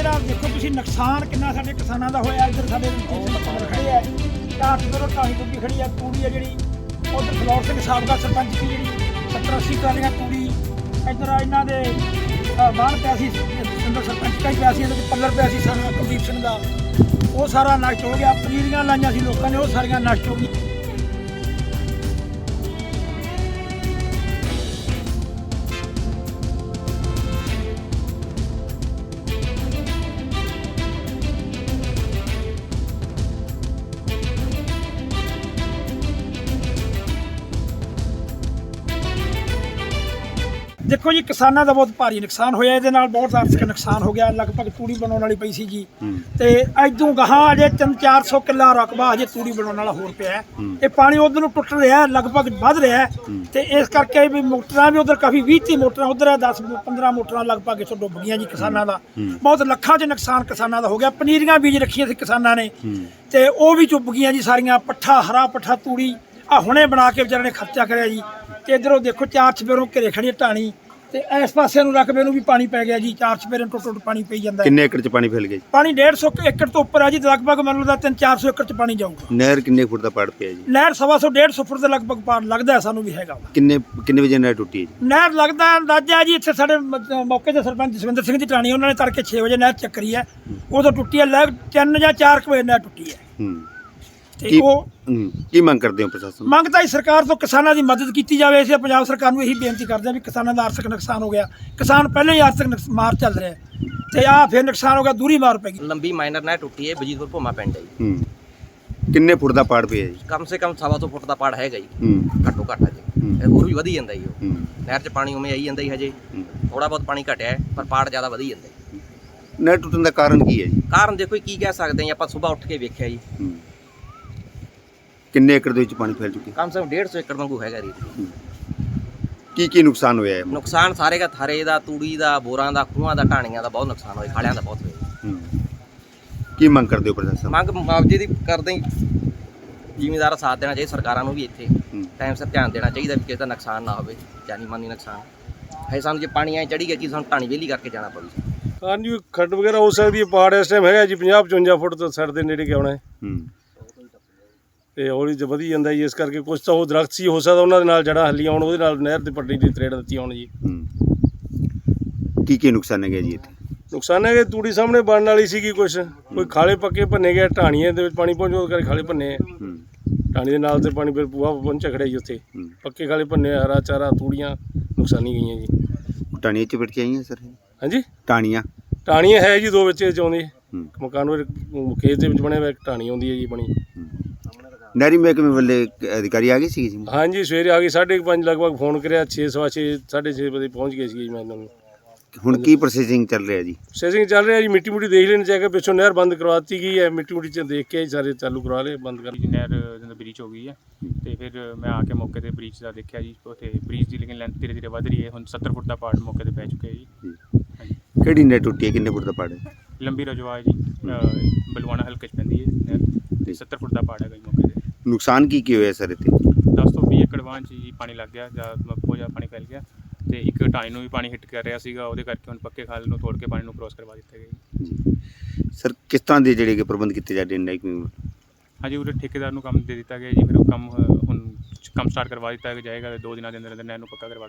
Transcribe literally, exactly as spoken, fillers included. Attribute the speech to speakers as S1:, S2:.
S1: ਆ ਦੇਖੋ ਤੁਸੀਂ ਨੁਕਸਾਨ ਕਿੰਨਾ ਸਾਡੇ ਕਿਸਾਨਾਂ ਦਾ ਹੋਇਆ। ਇੱਧਰ ਸਾਡੇ ਖੜੇ ਆ ਝਾਟ ਤੋਂ ਢਾਣੀ ਟੁੱਟੀ ਖੜੀ ਆ, ਤੂੜੀ ਆ ਜਿਹੜੀ ਉਧਰ ਫਲੋਰ ਸਿੰਘ ਸਾਬਕਾ ਸਰਪੰਚ ਦੀ ਜਿਹੜੀ ਸੱਤਰ ਅੱਸੀ ਕਾਲੀਆਂ ਤੂੜੀ, ਇੱਧਰ ਇਹਨਾਂ ਦੇ ਬਾਹਰ ਪਿਆ ਸੀ ਸਿੰਦਰ ਸਰਪੰਚ ਦਾ ਹੀ ਪਿਆ ਸੀ, ਇਹਦੇ ਵਿੱਚ ਪੱਲਰ ਪਿਆ ਸੀ ਸਾਰਾ ਕੁਲਦੀਪ ਸਿੰਘ ਦਾ, ਉਹ ਸਾਰਾ ਨਸ਼ਟ ਹੋ ਗਿਆ। ਪਨੀਰੀਆਂ ਲਾਈਆਂ ਸੀ ਲੋਕਾਂ ਨੇ, ਉਹ ਸਾਰੀਆਂ ਨਸ਼ਟ ਹੋ ਗਈਆਂ। देखो जी किसानों का बहुत भारी नुकसान होया, ये बहुत आर्थिक नुकसान हो गया। लगभग तूड़ी बनाने वाली पई सी जी, तो इदों गहां अजे तीन चार सौ किला रकबा अजे तूड़ी बनाने वाला होर पिया। ये पानी उधर टुट रहा है, लगभग वध रहा है, तो इस करके भी मोटर भी उधर काफ़ी भी तीह मोटर उधर दस पंद्रह मोटर लगभग इतों डुब गई जी। किसानों का बहुत लखा च नुकसान किसानों का हो गया। पनीरियां बीज रखिया सी किसानों ने, तो वह भी चुब गई जी सारिया। पट्ठा हरा पट्ठा तूड़ी आ हुणे बना के बेचारे ने खर्चा कराया जी। तो इधरों देखो चार चपेरों घिरे खड़ी ढाणी, ਤੇ ਇਸ ਪਾਸੇ ਨੂੰ ਰਕਬੇ ਨੂੰ ਵੀ ਪਾਣੀ ਪੈ ਗਿਆ ਜੀ। ਚਾਰ ਚਪੇਰੇ ਟੁੱਟ ਟੁੱਟ ਪਾਣੀ ਪਈ ਜਾਂਦਾ।
S2: ਕਿੰਨੇ ਏਕੜ ਚ ਪਾਣੀ ਫੈਲ ਗਿਆ ਜੀ?
S1: ਪਾਣੀ ਡੇਢ ਸੌ ਏਕੜ ਤੋਂ ਉੱਪਰ ਆ ਜੀ, ਲਗਭਗ ਮੈਨੂੰ ਲੱਗਦਾ ਤਿੰਨ ਚਾਰ ਸੌ ਏਕੜ ਚ ਪਾਣੀ ਜਾਊਗਾ।
S2: ਨਹਿਰ ਕਿੰਨੇ ਫੁੱਟ ਦਾ ਪਾੜ ਪਿਆ ਜੀ?
S1: ਨਹਿਰ ਸਵਾ ਸੌ ਡੇਢ ਸੌ ਫੁੱਟ ਦੇ ਲਗਭਗ ਪਾੜ ਲੱਗਦਾ ਹੈ ਸਾਨੂੰ ਵੀ ਹੈਗਾ।
S2: ਕਿੰਨੇ ਕਿੰਨੇ ਵਜੇ ਨਹਿਰ ਟੁੱਟੀ ਹੈ ਜੀ?
S1: ਨਹਿਰ ਲੱਗਦਾ ਅੰਦਾਜ਼ਾ ਜੀ ਇੱਥੇ ਸਾਡੇ ਮੌਕੇ ਦੇ ਸਰਪੰਚ ਜਸਵਿੰਦਰ ਸਿੰਘ ਦੀ ਟਾਣੀ, ਉਹਨਾਂ ਨੇ ਤੜਕੇ ਛੇ ਵਜੇ ਨਹਿਰ ਚੱਕਰੀ ਹੈ, ਉਦੋਂ ਟੁੱਟੀ ਹੈ। ਲੱਗ ਤਿੰਨ ਜਾਂ ਚਾਰ ਕੁ ਵਜੇ ਨਹਿਰ ਟੁੱਟੀ ਹੈ।
S2: ਹੂੰ
S1: ਤੇ ਉਹ
S2: ਕੀ ਮੰਗ ਕਰਦੇ ਹੋ ਪ੍ਰਸ਼ਾਸਨ?
S1: ਮੰਗ ਤਾਂ ਸਰਕਾਰ ਤੋਂ ਕਿਸਾਨਾਂ ਦੀ ਮਦਦ ਕੀਤੀ ਜਾਵੇ। ਅਸੀਂ ਪੰਜਾਬ ਸਰਕਾਰ ਨੂੰ ਇਹੀ ਬੇਨਤੀ ਕਰਦੇ ਹਾਂ ਵੀ ਕਿਸਾਨਾਂ ਦਾ ਆਰਥਿਕ ਨੁਕਸਾਨ ਹੋ ਗਿਆ। ਕਿਸਾਨ ਪਹਿਲਾਂ ਹੀ ਆਰਥਿਕ ਮਾਰ ਚੱਲ ਰਿਹਾ ਤੇ ਆ ਫਿਰ ਨੁਕਸਾਨ ਹੋ ਗਿਆ, ਦੂਰੀ ਮਾਰ ਪੈ ਗਈ।
S3: ਲੰਬੀ ਮਾਈਨਰ ਨਹਿਰ ਟੁੱਟੀ ਹੈ ਬਜੀਤਪੁਰ ਭੋਮਾ ਪਿੰਡ ਹੈ ਜੀ।
S2: ਹੂੰ ਕਿੰਨੇ ਫੁੱਟ ਦਾ ਪਾੜ ਪਿਆ ਜੀ?
S3: ਕਮ ਸੇ ਕਮ ਸਵਾ ਸੌ ਫੁੱਟ ਦਾ ਪਾੜ ਹੈਗਾ ਜੀ।
S2: ਹੂੰ
S3: ਘੱਟੋ ਘੱਟ ਹੈ ਜੀ, ਇਹ ਹੋਰ ਵੀ ਵਧੀ ਜਾਂਦਾ ਜੀ। ਉਹ
S2: ਹੂੰ
S3: ਨਹਿਰ 'ਚ ਪਾਣੀ ਉਵੇਂ ਆਈ ਜਾਂਦਾ ਜੀ, ਹਜੇ ਥੋੜਾ ਬਹੁਤ ਪਾਣੀ ਘਟਿਆ ਹੈ, ਪਰ ਪਾੜ ਜ਼ਿਆਦਾ ਵਧੀ ਜਾਂਦਾ ਜੀ।
S2: ਨਹਿਰ ਟੁੱਟਣ ਦਾ ਕਾਰਨ ਕੀ ਹੈ ਜੀ?
S3: ਕਾਰਨ ਦੇਖੋ ਕੀ ਕਹਿ ਸਕਦੇ ਹਾਂ ਆਪਾਂ, ਸਵੇਰ ਉੱਠ ਕੇ ਵੇਖਿਆ ਜੀ।
S2: ਹੂੰ ਕਿੰਨੇ ਏਕੜ ਦੇ ਵਿੱਚ ਪਾਣੀ ਫੈਲ ਚੁੱਕਿਆ?
S3: ਕਮ ਸੇ ਕਮ ਡੇਢ ਸੌ ਏਕੜ ਵਾਂਗੂ ਹੈਗਾ ਰੀਤ।
S2: ਕੀ ਕੀ ਨੁਕਸਾਨ ਹੋਇਆ ਹੈ?
S3: ਨੁਕਸਾਨ ਸਾਰੇ ਦਾ ਥਰੇ ਦਾ, ਤੂੜੀ ਦਾ, ਬੋਰਾਂ ਦਾ, ਖੂਹਾਂ ਦਾ, ਢਾਣੀਆਂ ਦਾ ਬਹੁਤ ਨੁਕਸਾਨ ਹੋਇਆ, ਖਾਲਿਆਂ ਦਾ ਬਹੁਤ ਹੋਇਆ।
S2: ਹੂੰ ਕੀ ਮੰਗ ਕਰਦੇ ਹੋ ਪ੍ਰਸ਼ਾਸਨ?
S3: ਮੰਗ ਮੁਆਵਜ਼ੇ ਦੀ ਕਰਦੇ ਹੀ, ਜ਼ਿਮੀਂਦਾਰਾਂ ਸਾਥ ਦੇਣਾ ਚਾਹੀਦਾ। ਸਰਕਾਰਾਂ ਨੂੰ ਵੀ ਇੱਥੇ ਟਾਈਮ ਸਿਰ ਧਿਆਨ ਦੇਣਾ ਚਾਹੀਦਾ ਵੀ ਕਿਸੇ ਦਾ ਨੁਕਸਾਨ ਨਾ ਹੋਵੇ, ਜਾਨੀ ਮਾਨੀ ਨੁਕਸਾਨ ਹੈ। ਸਾਨੂੰ ਜੇ ਪਾਣੀ ਐ ਚੜੀ ਗਿਆ ਕਿ ਸਾਨੂੰ ਢਾਣੀ ਵਿਹਲੀ ਕਰਕੇ ਜਾਣਾ ਪਊ।
S4: ਹਾਂਜੀ ਖੱਡ ਵਗੈਰਾ ਹੋ ਸਕਦੀ ਹੈ। ਪਹਾੜ ਇਸ ਟਾਈਮ ਹੈਗਾ ਜੀ ਪੰਜਾਹ ਪਚਵੰਜਾ ਫੁੱਟ ਤੋਂ ਸੜ ਦੇ ਨੇੜੇ ਕਿ ਆਉਣਾ ਹੈ।
S2: ਹੂੰ
S4: ਤੇ ਹੌਲੀ ਚ ਵਧੀ ਜਾਂਦਾ ਜੀ, ਇਸ ਕਰਕੇ ਕੁਛ ਤਾਂ ਉਹ ਦਰਖਤ ਸੀ, ਹੋ ਸਕਦਾ ਉਹਨਾਂ ਦੇ ਨਾਲ ਜੜ੍ਹਾਂ ਹੱਲੀਆਂ ਆਉਣ, ਉਹਦੇ ਨਾਲ ਨਹਿਰ ਦੀ ਪੱਟੀ ਦੀ ਤਰੇੜ ਦਿੱਤੀ ਆਉਣ ਜੀ।
S2: ਹੂੰ ਕੀ ਕੀ ਨੁਕਸਾਨ ਹੈ ਜੀ ਇੱਥੇ?
S4: ਨੁਕਸਾਨ ਹੈ ਕਿ ਤੂੜੀ ਸਾਹਮਣੇ ਬਣਨ ਵਾਲੀ ਸੀਗੀ, ਕੁਛ ਕੋਈ ਖਾਲੇ ਪੱਕੇ ਭੰਨੇ ਗਏ, ਢਾਣੀਆਂ ਦੇ ਵਿੱਚ ਪਾਣੀ ਪਹੁੰਚੋ ਕਰਕੇ ਖਾਲੇ ਭੰਨੇ। ਢਾਣੀ ਦੇ ਨਾਲ ਤੇ ਪਾਣੀ ਫਿਰ ਪੂਆ ਪਹੁੰਚਿਆ ਖੜਿਆ ਜੀ ਉੱਥੇ, ਪੱਕੇ ਖਾਲੇ ਭੰਨੇ, ਹਰਾ ਚਾਰਾ ਤੂੜੀਆਂ ਨੁਕਸਾਨੀ ਗਈਆਂ ਜੀ।
S2: ਟਾਣੀਆਂ ਚ ਪਿੱਟ ਕੇ ਆਈਆਂ ਸਰ? ਹਾਂਜੀ
S4: ਟਾਣੀਆਂ
S2: ਟਾਣੀਆਂ
S4: ਟਾਣੀਆਂ ਹੈ ਜੀ, ਦੋ ਵਿੱਚ ਆਉਂਦੀ ਮਕਾਨ ਵਿੱਚ ਖੇਤ ਦੇ ਵਿੱਚ ਬਣਿਆ ਹੋਇਆ ਇੱਕ ਟਾਣੀ ਆਉਂਦੀ ਹੈ ਜੀ ਬਣੀ।
S2: ਨਹਿਰੀ ਮਹਿਕਮੇ ਵੱਲੇ ਅਧਿਕਾਰੀ ਆ ਗਏ ਸੀ ਜੀ?
S4: ਹਾਂਜੀ ਸਵੇਰੇ ਆ ਗਏ, ਸਾਢੇ ਕੁ ਪੰਜ ਲਗਭਗ ਫੋਨ ਕਰਿਆ, ਛੇ ਸਵਾ ਛੇ ਸਾਢੇ ਛੇ ਵਜੇ ਪਹੁੰਚ ਗਏ ਸੀ ਜੀ। ਮੈਂ ਇਹਨਾਂ ਨੂੰ
S2: ਹੁਣ ਕੀ ਪ੍ਰੋਸੈਸਿੰਗ ਚੱਲ ਰਿਹਾ ਜੀ?
S4: ਪ੍ਰੋਸੈਸਿੰਗ ਚੱਲ ਰਿਹਾ ਜੀ, ਮਿੱਟੀ ਮੁੱਟੀ ਦੇਖ ਲੈਣੀ ਚਾਹੀਦਾ। ਪਿੱਛੋਂ ਨਹਿਰ ਬੰਦ ਕਰਵਾ ਦਿੱਤੀ ਗਈ ਹੈ, ਮਿੱਟੀ ਮੁੱਟੀ ਚ ਦੇਖ ਕੇ ਸਾਰੇ ਚਾਲੂ ਕਰਵਾ ਲਏ, ਬੰਦ ਕਰ।
S5: ਨਹਿਰ ਜਦੋਂ ਬ੍ਰੀਚ ਹੋ ਗਈ ਹੈ ਤੇ ਫਿਰ ਮੈਂ ਆ ਕੇ ਮੌਕੇ ਤੇ ਬ੍ਰੀਚ ਦਾ ਦੇਖਿਆ ਜੀ। ਉੱਥੇ ਬ੍ਰੀਚ ਦੀ ਲੇਕਿਨ ਲੈਂਥ ਧੀਰੇ ਧੀਰੇ ਵੱਧ ਰਹੀ ਹੈ। ਹੁਣ ਸੱਤਰ ਫੁੱਟ ਦਾ ਪਾੜ ਮੌਕੇ ਤੇ ਪੈ ਚੁੱਕਿਆ ਜੀ। ਹਾਂਜੀ
S2: ਕਿਹੜੀ ਨਹਿਰ ਟੁੱਟੀ ਹੈ? ਕਿੰਨੇ ਫੁੱਟ ਦਾ ਪਾੜ ਹੈ?
S5: ਲੰਬੀ ਰਜਵਾ ਹੈ ਜੀ, ਬਲਵਾਣਾ ਹਲਕੇ 'ਚ ਪੈਂਦੀ ਹੈ ਨਹਿਰ, ਤੇ ਸੱਤਰ ਫੁੱਟ ਦਾ ਪਾੜ ਹੈਗਾ ਜੀ ਮੌਕੇ ਤੇ।
S2: ਨੁਕਸਾਨ ਕੀ ਕੀ ਹੋਇਆ ਸਰ ਇੱਥੇ?
S5: ਦਸ ਤੋਂ ਵੀਹ ਏਕੜ ਵਾਂ 'ਚ ਜੀ ਪਾਣੀ ਲੱਗ ਗਿਆ, ਜਾਂ ਬਹੁਤ ਜ਼ਿਆਦਾ ਪਾਣੀ ਫੈਲ ਗਿਆ, ਤੇ ਇੱਕ ਢਾਣੀ ਨੂੰ ਵੀ ਪਾਣੀ ਹਿੱਟ ਕਰ ਰਿਹਾ ਸੀਗਾ, ਉਹਦੇ ਕਰਕੇ ਹੁਣ ਪੱਕੇ ਖਾਲ ਨੂੰ ਤੋੜ ਕੇ ਪਾਣੀ ਨੂੰ ਕ੍ਰੋਸ ਕਰਵਾ ਦਿੱਤਾ ਗਿਆ ਜੀ।
S2: ਸਰ ਕਿਸ ਤਰ੍ਹਾਂ ਦੇ ਜਿਹੜੇ ਕਿ ਪ੍ਰਬੰਧ ਕੀਤੇ ਜਾਂਦੇ ਨੇ?
S5: ਹਾਂਜੀ ਉਹਦੇ ਠੇਕੇਦਾਰ ਨੂੰ ਕੰਮ ਦੇ ਦਿੱਤਾ ਗਿਆ ਜੀ, ਫਿਰ ਉਹ ਕੰਮ ਹੁਣ ਕੰਮ ਸਟਾਰਟ ਕਰਵਾ ਦਿੱਤਾ ਜਾਏਗਾ। ਦੋ ਦਿਨਾਂ ਦੇ ਅੰਦਰ ਅੰਦਰ ਨਹਿਰ ਨੂੰ ਪੱਕਾ ਕਰਵਾ